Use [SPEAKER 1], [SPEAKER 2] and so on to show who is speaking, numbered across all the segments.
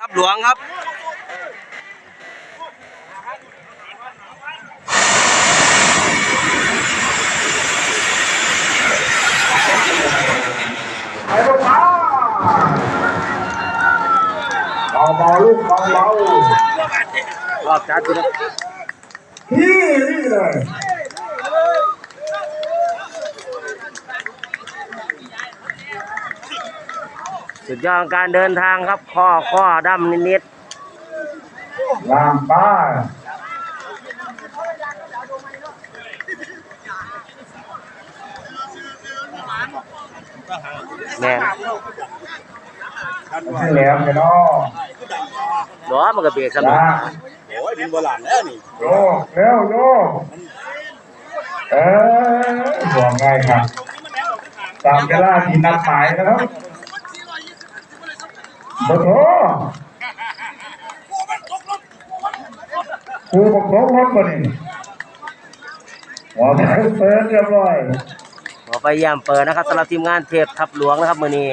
[SPEAKER 1] ทับหลวงครับ
[SPEAKER 2] ไปลูกมาเบาลูกเบารอบจัดเลยที่นี่เลย
[SPEAKER 1] สุดยอดการเดินทางครับข้อดำนิด
[SPEAKER 2] ลามป้า
[SPEAKER 1] แม่
[SPEAKER 2] ให้แหลมกันเนาะ
[SPEAKER 1] ล้อมันก็เบรกสนุก
[SPEAKER 3] โอ้ยเป็นโบราณแล้วนี่
[SPEAKER 2] โยเร็วโยห่วงง่ายครับตามเวลาที่นัดหมายนะครับโอ้โหครูบอกลงรถก่อนนี่หัวไปเปิดเรียบร้อย
[SPEAKER 1] ไปย่ำเปิดนะครับสำหรับทีมงานเทพทับหลวงนะครับมือนี้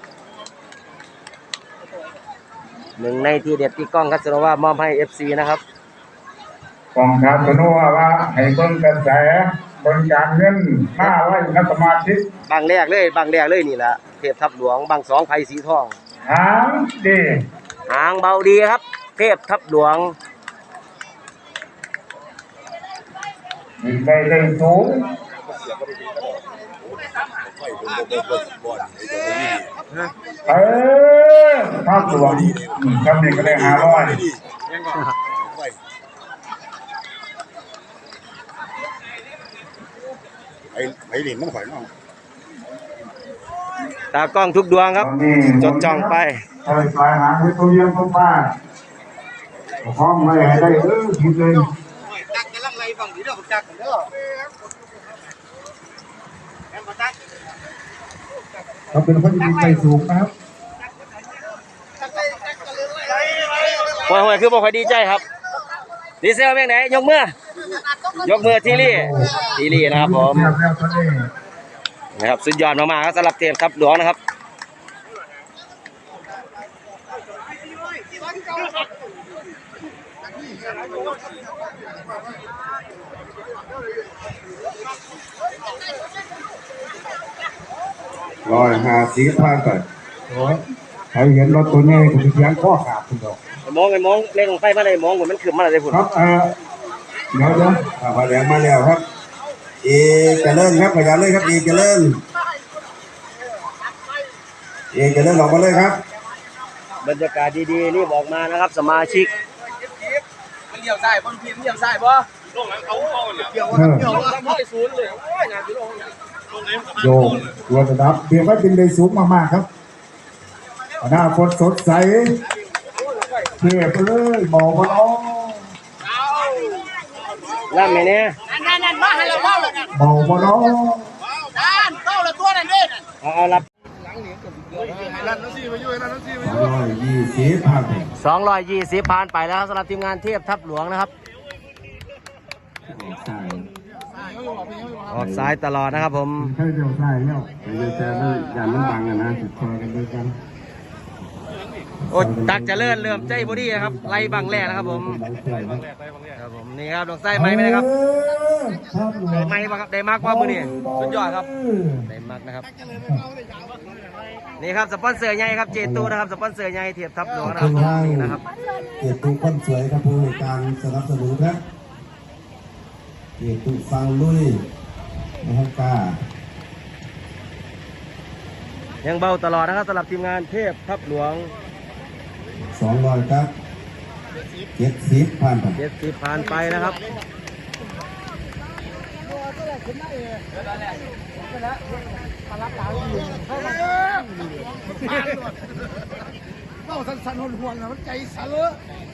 [SPEAKER 1] หนึ่งในที่เด็ดที่กล้องคัสโนว่ามอบให้ FC นะครับ
[SPEAKER 2] กองคัสโนว่าให้เบิ่งกระแสบริการเงิน500นักสมาชิก
[SPEAKER 1] บางแรกเลยนี่แหละเทพทับหลวงบางสองไผ่สีทอง
[SPEAKER 2] หางดี
[SPEAKER 1] หางเบาดีครับเทพทับหลวง
[SPEAKER 2] ยิงไปได้สูงทับหลวงทำนี่ก็ได้500
[SPEAKER 3] ไอ้เหรียญมันข่อยเนาะ
[SPEAKER 1] ตากล้องทุกดวงครับจดจ้องไป
[SPEAKER 2] ปลายหางให้ตัวเยี่ยมป้าห้องไม่ให้ได้คิดเลย
[SPEAKER 3] จักกำลังไล่ฟังดีเด้อจักกันเด้อแอมจัก
[SPEAKER 2] เขาเป็นคนที่ใจสูงนะครับ
[SPEAKER 1] ห่วยคือบอกใครดีใจครับดีเซลแม่งไหนยกมือทีรี่นะครับผมนะครับสุดยอดมากๆครับสำหรับเทพทับหลวงนะครับ
[SPEAKER 2] 150ผ่านไปใครเห็นรถตัวนี้ก็จะเสียงข้อขาดคุณดอก
[SPEAKER 1] มองเล่นลงไฟมาเลยมองเหมือนมันขึ้นมาเลยพุ่น
[SPEAKER 2] ครับเดี๋ยวพอแหลมมาแล้วครับเจริญครับขยันเลยครับเจริญออกมาเลยครับ
[SPEAKER 1] บรรยากาศดีๆนี่บอกมานะครับสมาชิก
[SPEAKER 3] มันเลี้ยวซ้ายบ่พี่มันเลี้ยวซ้ายบ่ลงหลังเขาเกี่ยว0เลยโอ้ยน่าสิลง
[SPEAKER 2] โยตัวระดับเบียร์ว่าเป็นได้สูงมากๆครับหน้าฝนสดใสเทียบเลยหมอกมาล้อ
[SPEAKER 1] ล่ำไหมเนี่ย
[SPEAKER 3] นั่นมาให้เราเล่าเลยนะ
[SPEAKER 2] หมอกมาล้อ
[SPEAKER 3] เล่าละตัวนั่นเด้
[SPEAKER 1] เอารับ220ผ่านไปแล้วสำหรับทีมงานเทพทับหลวงนะครับออกซ้ายตลอดนะครับผม
[SPEAKER 2] ใช่เดียวใช่แล้วแต่อย่ามันบังกันนะติดคอกันด้วยกัน
[SPEAKER 1] โอ้ตักจะเริ่มใจบอดี้นะครับไล่บังแรกนะครับผมนี่ครับดอกไส้ไม้ไหมนะครับไม้ครับได้มากกว่ามือนี่สุดยอดครับได้มากนะครับนี่ครับสปอนเซอร์ใหญ่ครับเจตูนะครับสปอนเซอร์ใหญ่เทียบทับหลวงนะครับนี่นะครับ
[SPEAKER 2] เจตูคนสวยครับผู้การสนับสนุนครับเจตูฟังลุยนะครับกา
[SPEAKER 1] ยังเบาตลอดนะครับสำหรับทีมงานเทพทับหลวง
[SPEAKER 2] 200ครับ70ผ่านไป
[SPEAKER 1] 70ผ่านไปนะครับ
[SPEAKER 3] เล่าสั้นๆห่วงๆนะมันใจสั่นเลย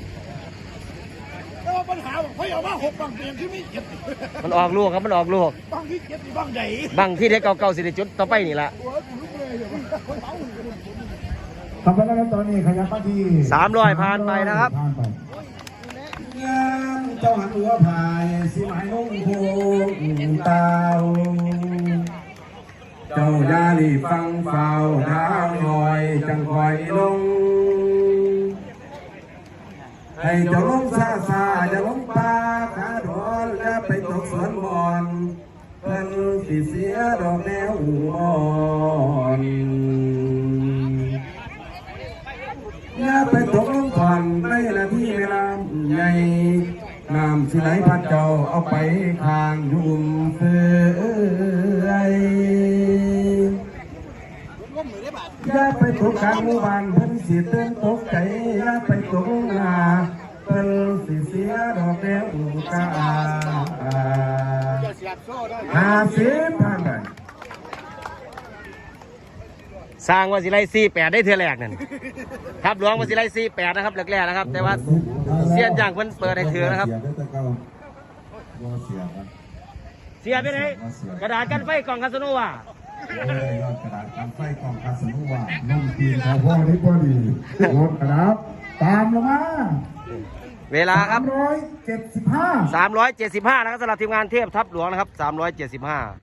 [SPEAKER 3] แล้วปัญหาบอกเขาเอามา6บังเตียงที่ไม่เก็บ
[SPEAKER 1] มันออกลูกครับมันออกลูก
[SPEAKER 3] บังที่เก็บบังใหญ่
[SPEAKER 1] บังที่เด็กเก่าๆสิได้จุดต่อไปนี่ละ
[SPEAKER 2] ทำไปแล้วตอนนี้ขยับมาที่
[SPEAKER 1] 300ผ่านไปนะครับ
[SPEAKER 2] เจ้าหันหัวพายสิหมายนุ่งโคงเตาเจ้าญาลีฟังเฝ้าเท้าหน่อยจังคอยลงให้เจ้าลงซาซาอย่าลงป่าขาดอนอย่าไปตกสวนบอนเพิ่นสิเสียดอกแนวอ่อนอย่าไปตกลงก่อนในนาทีเวลาใหญ่น้ำสิไหลพัดเจ้าเอาไปข้างยุ่มเฟือยอย่าไปตกกลางหมู่บ้านเพิ่นสิเตือนตกใจอย่าไปตกหน้าเพิ่นสิเสียดอกแก้วกา50พันเลย
[SPEAKER 1] สร้างว่าสิไล่48ได้เทื่อแรกนั่นทับหลวงว่าสิไล่48นะครับแรกๆนะครับแต่ว่าเสียนอย่างเพิ่นเปิดให้ถือนะครับเสียไปไหนกระดาษกันไฟกล่องคาสโนว่าก
[SPEAKER 2] ระดาษการไฟกองคาสโนว่านุ่มตีนของพ่อนี่พอดีรถกระดาษตามลงมา
[SPEAKER 1] เวลาครับ
[SPEAKER 2] 375
[SPEAKER 1] 375นะครับสำหรับทีมงานเทพทับหลวงนะครับ375